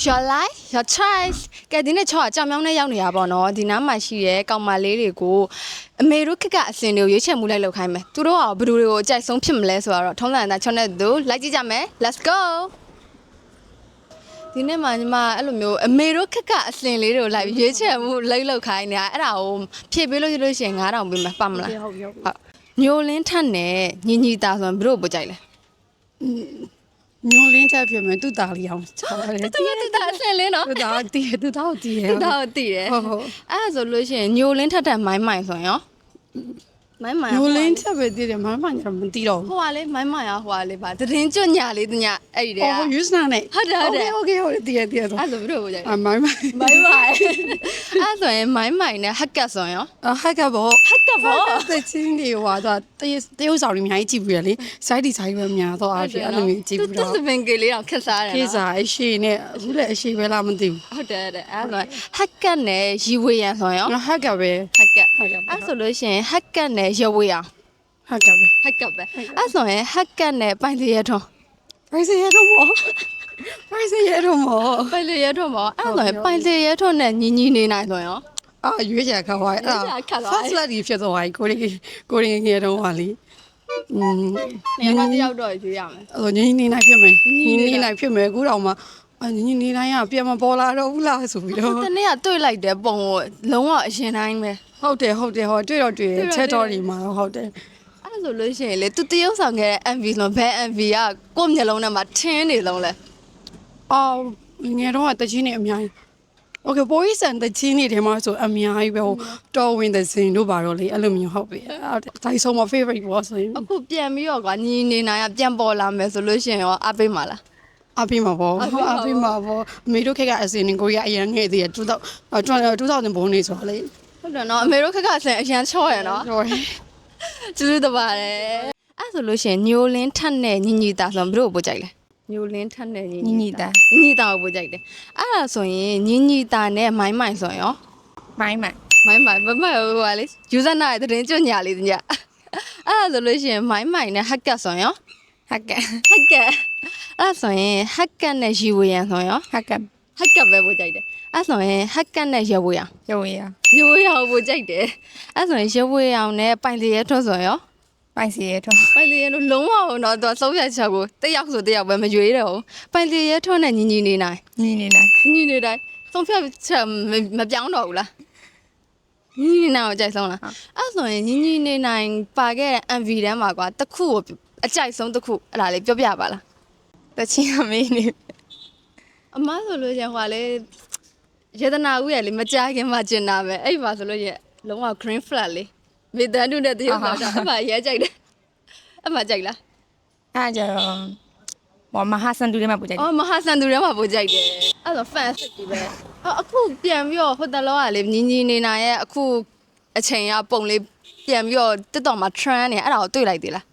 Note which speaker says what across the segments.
Speaker 1: your life your choice ကဲဒီနေ့ချောအကြောင်မြောင်းနဲ့ရောက်နေရပါတော့ဒီနားမှာရှိတဲ့ကောင်မလေးတွေကိုအမေတို့ခက်ကအစင်တွေကိုရွေးချယ်မှုလိုက်လုပ်ခိုင်းမယ်သူတို့ကဘယ်သူတွေကိုအကြိုက်ဆုံးဖြစ်မလဲဆိုတော့ထုံးစံအတိုင်းချောနဲ့သူလိုက်ကြည့်ကြမယ် let's go ဒီနေ့မှညီမအဲ့လိုမျိုးအမေတို့ခက်ကအစင်လေးတွေကိုလိုက်ရွေးချယ်မှုလိုက်လုပ်ခိုင်းနေတာအဲ့ဒါကိုဖြည့်ပေးလို့ရလို့ရှိရင်9000ပေးမယ်ပတ်မလားဟုတ်ညိုလင်းထက်နဲ့ညီညီတာဆိုရင်ဘယ်တို့ပို့ကြိုက်လဲ
Speaker 2: ညွန်လင်းချက်ဖြစ်မယ်သူ့သားလေးအောင်ချားတယ်
Speaker 1: တူတာအစင်လင်းနော်
Speaker 2: သူ့သားတည်သူ့သားကိုတည်ရ
Speaker 1: တူတာကိုတည်တယ်အဲ့ဒါဆိုလို့ရှိရင်ညိုလင်းထက်တဲ့မိုင်းမိုင်ဆိုရင်ရောမိုင်းမိုင်
Speaker 2: ညွန်လင်းချက်ပဲတည်တယ်မမညာမတည်တော့
Speaker 1: ဟိုကလေမိုင်းမိုင်ဟိုကလေပါသတင်းကျွညာလေးတညအဲ့ဒီတည်း
Speaker 2: ဟိုယူစနာနဲ့
Speaker 1: ဟုတ်တယ်ဟုတ်တယ်
Speaker 2: โอเคတည်ဆို
Speaker 1: အဲ့ဆိုဘယ်လိုပို့ကြလဲ
Speaker 2: မိုင်း
Speaker 1: မိုင်းမိုင်အဲ့ဆိုရင်မိုင်းမိုင်နဲ့ဟက်ကတ်ဆိုရင်ရော
Speaker 2: ဟက်ကဘော
Speaker 1: ဟက်ကတ်ဘော
Speaker 2: သချင်းတွေဟိုတော့တရုတ်ဆောင်တွေအများကြီးကြည့်ပြီးရလေစိုက်တီဆိုင်ပဲများတော့အားဖြင့်အဲ့လိုမျိုးကြည့်ပြီး
Speaker 1: သူ
Speaker 2: တော့
Speaker 1: စပင်ကလေးတော့ခက်စားတယ်
Speaker 2: ခေ
Speaker 1: နော်
Speaker 2: စားအရှိနဲ့အခုလည်းအရှိပဲလားမသိဘူး
Speaker 1: ဟုတ်တယ်အဲ့ဆိုဟက်ကတ်နဲ့ရီဝေရန်ဆိုရင်ရော
Speaker 2: ဟက်ကပဲ
Speaker 1: ဟက်ကတ်အဲ့ဆိုလို့ရှိရင်ဟက်ကတ်နဲ့ရဝေရန်
Speaker 2: ဟက်ကပဲ
Speaker 1: ဟက်ကတ်ပဲအဲ့ဆိုရင်ဟက်ကတ်နဲ့ပိုင်စီရထုံး
Speaker 2: ဖိုင်စရတော့မောဖိုင်စရတော့မော
Speaker 1: ပိုင်စီရထုံးပေါ့အဲ့ဆိုရင်ပိုင်စီရထုံးနဲ့ညီညီနေနိုင်ဆိုရင်ရော
Speaker 2: ရွေးချယ်ခါသွားအဲ့ first lady ဖြစ်သွားပြီကိုရင်းငယ်တော့ဟာလေ
Speaker 1: နေရာတယောက်တော့ရွေးရမယ်
Speaker 2: အဲ့ညင်းနေနိုင်ဖြစ်မယ်ညင်းနေနိုင်ဖြစ်မယ်အခုတော့မှညင်းနေနိုင်ကပြန်မပေါ်လာတော့ဘူးလားဆိုပြီးတော့
Speaker 1: တနေ့ကတွေ့လိုက်တဲ့ပုံကိုလုံးဝအရင်တိုင်းပဲ
Speaker 2: ဟုတ်တယ်ဟောတွေ့တော့ချက်တော်ဒီမှာဟုတ်တယ်
Speaker 1: အဲ့ဆိုလို့ရှိရင်လေသူတရုပ်ဆောင်ခဲ့တဲ့ MV ဆိုဘယ် MV ကကိုယ့်မျက်လုံးထဲမှာထင်းနေလုံးလဲ
Speaker 2: အော်ငယ်တော့တချင်းနေအများကြီး Okay boys and the chin တွေမှာဆိုအများကြီးပဲဟိုတော်ဝင်တဲ့စင်တို့ပါတော့လေအဲ့လိုမျိုးဟုတ်ပြီဒါဆိုမ favorite ဘောဆိုရင်
Speaker 1: အခုပြန်ပြီးတော့ကွာညီနေနိုင်ကပြန်ပေါ်လာမယ်ဆိုလို့ရှိရင်ရောအားပေးမှာလား
Speaker 2: အဖေမှာပေါ့အဖေမှာပေါ့အမေတို့ခက်ကအစင်ကိုရအရင်ငယ်သေးတယ်2000ဘုံနေဆိုတော့လေ
Speaker 1: ဟုတ်တယ်နော်အမေတို့ခက်ခဆင်အရန်ချော့ရနော်
Speaker 2: ဟုတ်
Speaker 1: ကျေးဇူးတင်ပါတယ်အဲ့ဆိုလို့ရှိရင်ညိုလင်းထက်နဲ့ညီညီတာဆိုရင်ဘယ်လိုပို့ကြိုက်လဲညိုလင်းထက်နဲ့ညီညီတာကိုပို့ကြိုက်တယ်အဲ့ဒါဆိုရင်ညီညီတာနဲ့မိုင်းမိုင်ဆိုရင်ရော
Speaker 3: မိုင်းမိုင်
Speaker 1: မိုင်းမိုင်ဟိုကလေယူဇာနာရဲ့သတင်းကျွညာလေးတညအဲ့ဒါဆိုလို့ရှိရင်မိုင်းမိုင်နဲ့ဟက်ကတ်ဆိုရင်ရော
Speaker 3: ဟက်ကတ်
Speaker 1: ဟက်ကတ်အဲ့ဆိုရင်ဟက်ကတ်နဲ့ရီဝေရန်ဆိုရင်ရော
Speaker 3: ဟက်ကတ်
Speaker 1: ဟက်ကတ်ပဲပို့ကြိုက်တယ်အဲ့ဆိုရင်ဟက်ကတ်နဲ့ရဝေရန်
Speaker 3: ရုပ်ရ
Speaker 1: ရဝေရန်ပို့ကြိုက်တယ်အဲ့ဆိုရင်ရဝေရန်နဲ့ပိုင်စီရဲထွန်းဆိုရင်ရော
Speaker 3: ပိုင်စီရဲထွန်း
Speaker 1: ပိုင်စီရဲတို့လုံးဝတော့သူဆုံးဖြတ်ချက်ကိုတစ်ယောက်ဆိုတစ်ယောက်ပဲမရွေးတော့ဘူးပိုင်စီရဲထွန်းနဲ့ညီညီနေနိုင်
Speaker 3: ညီနေနိုင်
Speaker 1: ညီနေတိုင်းဆုံးဖြတ်ချက်မပြောင်းတော့ဘူးလားညီညီနေနိုင်ကိုအကြိုက်ဆုံးလားအဲ့ဆိုရင်ညီညီနေနိုင်ပါခဲ့တဲ့ MV တန်းမှာကွာတစ်ခုကိုအကြိုက်ဆုံးတစ်ခုအဲ့ဒါလေးပြောပြပါလား
Speaker 3: တချင်းအမေးနေ
Speaker 1: အမဆိုလို့ရင်ဟိုကလေယေဒနာဦးရဲ့လေမကြခင်မှကျင်တာပဲအဲ့ပါဆိုလို့ရင်လုံးဝ green flag လေးမေတ္တာတုနဲ့တရုပ်တော့အမရဲကြိုက်တယ်အမကြိုက်လား
Speaker 3: အားကြတော့မမဟာစန်တူထဲမှာပူကြိုက်
Speaker 1: အော်မဟာစန်သူထဲမှာပိုကြိုက်တယ်အဲ့တော့ fan စစ်ကြီးပဲအခုပြန်ပြီးတော့ဟိုတလောကလေညီညီနေနိုင်ရဲ့အခုအချိန်ကပုံလေးပြန်ပြီးတော့တက်တော်မှာ trend နေအဲ့ဒါကိုတွေ့လိုက်သေးလား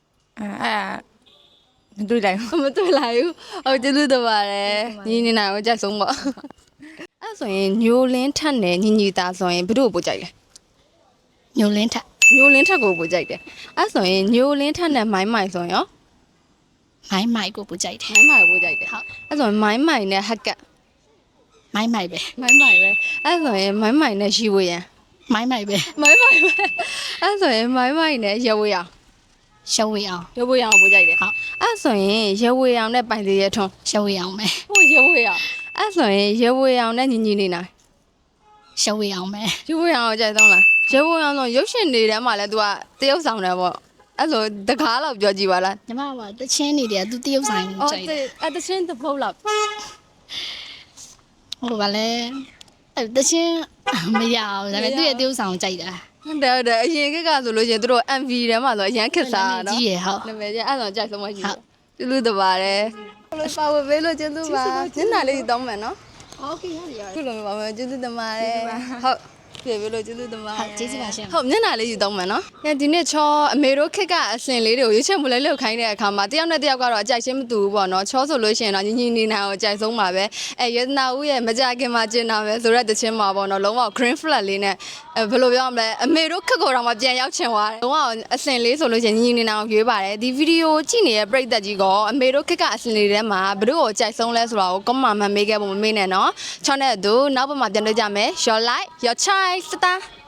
Speaker 3: မတွေ့လိုက်ဘူး
Speaker 1: မတွေ့လိုက်ဘူးဟုတ်ကျေးဇူးတင်ပါတယ်ညီနေနိုင်ကိုကြိုက်ဆုံးပေါ့အဲ့ဆိုရင်ညိုလင်းထက်နဲ့ညီညီတာဆိုရင်ဘယ်သူ့ကိုပိုကြိုက်လဲ
Speaker 3: ညိုလင်းထက်
Speaker 1: ညိုလင်းထက်ကိုပိုကြိုက်တယ်အဲ့ဆိုရင်ညိုလင်းထက်နဲ့မိုင်းမိုင်ဆိုရင်ရော
Speaker 3: မိုင်းမိုင်ကိုပူကြိုက်တယ်
Speaker 1: မိုင်းမိုင်ကိုပိုကြိုက်တယ်ဟုတ်အဲ့ဆိုရင်မိုင်းမိုင်နဲ့ဟက်ကတ်
Speaker 3: မိုင်းမိုင်ပဲ
Speaker 1: မိုင်းမိုင်ပဲအဲ့ဆိုရင်မိုင်းမိုင်နဲ့ရီဝေရန်
Speaker 3: မိုင်းမိုင်ပဲ
Speaker 1: မိုင်းမိုင်ပဲအဲ့ဆိုရင်မိုင်းမိုင်နဲ့ရဝေရန်
Speaker 3: ရှောက်ဝေအောင်
Speaker 1: ရဝေရန်ကိုပိုကြိုက်တယ်ဟုတ်အဲ့ဆိုရင်ရဝေရန်နဲ့ပိုင်စီရထုံး
Speaker 3: ရှောက်ဝေအောင်ပဲ
Speaker 1: ဟိုရဝေရန်အဲ့ဆိုရင်ရဝေရန်နဲ့ညီညီနေနိုင်
Speaker 3: ရှောက်ဝေအောင်ပဲ
Speaker 1: ရဝေရန်ကိုကြိုက်ဆုံးလားရဝေရန်ဆိုရုပ်ရှင်တွေထဲမှာလည်း तू ကတရုပ်ဆောင်တယ်ပေါ့အဲ့ဆိုတကားတော့ပြောကြည့်ပါလား
Speaker 3: ညီမကတချင်းနေတယ်သူတရုပ်ဆိုင်ကြိုက်တယ်
Speaker 1: အဲ့တချင်းတပုတ်လောက်
Speaker 3: ဟိုဗာလဲတချင်းမရဘူးဒါပေမဲ့သူ့ရဲ့တရုပ်ဆောင်ကြိုက်တာ
Speaker 1: ဟုတ်တယ်အရင်ကဆိုလို့ရှိရင်သူတို့ MV ထဲမှာဆိုအရန်ခက်စားတာနော်
Speaker 3: ကြီးရဟုတ်
Speaker 1: နာမည်ကြီးအဲ့ဆိုကြိုက်ဆုံးမရှိဘူးကျေးဇူးတင်ပါတယ်ပါဝပေးလို့ကျေးဇူးပါညနာလေးတောင်းမယ်နော်
Speaker 3: โอเคရတယ်
Speaker 1: ခုလိုမျိုးပါမယ်ကျေးဇူးတင်ပါတယ်ဟုတ်ပြေပြီလို့ကျေးဇူးတင်ပါ
Speaker 3: ဟုတ်ကျေးဇူးပါရှင်
Speaker 1: ဟုတ်မျက်နှာလေးယူတော့မယ်နော်။ဒီနေ့ချောအမေတို့ခက်ကအစင်လေးတွေကိုရွေးချယ်မှုလိုက်လောက်ခိုင်းတဲ့အခါမှာတယောက်နဲ့တယောက်ကတော့အကြိုက်ချင်းမတူဘူးပေါ့နော်။ချောဆိုလို့ရှိရင်တော့ညီညီနေနိုင်အောင်အကြိုက်ဆုံးပါပဲ။ရတနာဦးရဲ့မကြခင်မှာကျင်တာပဲဆိုတော့တချင်းမှာပေါ့နော်။လုံးဝ green flag လေးနဲ့ဘယ်လိုပြောရမလဲအမေတို့ခက်ကိုတော့မှပြန်ရောက်ချင်သွားတယ်။လုံးဝအစင်လေးဆိုလို့ရှိရင်ညီညီနေနိုင်အောင်ရွေးပါတယ်။ဒီဗီဒီယိုကြည့်နေတဲ့ပရိသတ်ကြီးကအမေတို့ခက်ကအစင်လေးထဲမှာဘယ်တို့ကိုအကြိုက်ဆုံးလဲဆိုတာကို comment မှာမေးခဲ့ဖို့မမေ့နဲ့နော်။ချောနဲ့အတူနောက်ပတ်မှာပြန်တွေ့ကြမယ်။ Your life, your choice တာ